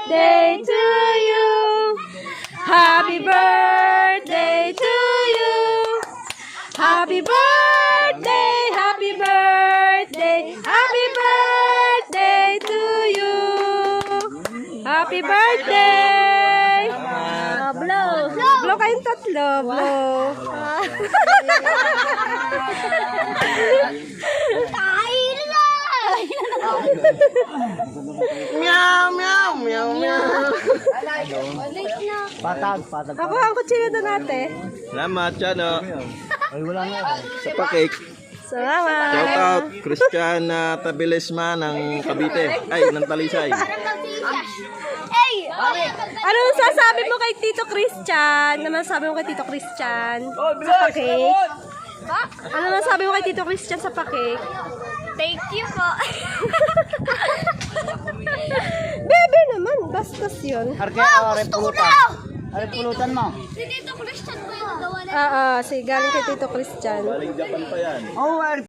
birthday to you. Happy birthday to you. Happy birthday, happy birthday, happy birthday to you. Happy birthday. Blow. Blow kayong tatlo. Blow. Meow, meow, meow, meow. Patag. Ako ang kutsilo doon ate. Salamat, Chano. Ay, wala nga. Sa pa-cake. Salamat. Shout out, Christian Tabilisma ng Cavite. Ay, ng Talisay. Ano sasabi mo kay Tito Christian? Ano sabi mo kay Tito Christian sa pa-cake? Ano sabi mo kay Tito Christian sa pa-cake? Thank you po. Bebe naman, bastos yun. Arke, are pulutan. Are pulutan mo. Si Tito Christian po yung nagawa na. Sige, galing kay Tito Christian. Galing Japan pa yan. Oh, are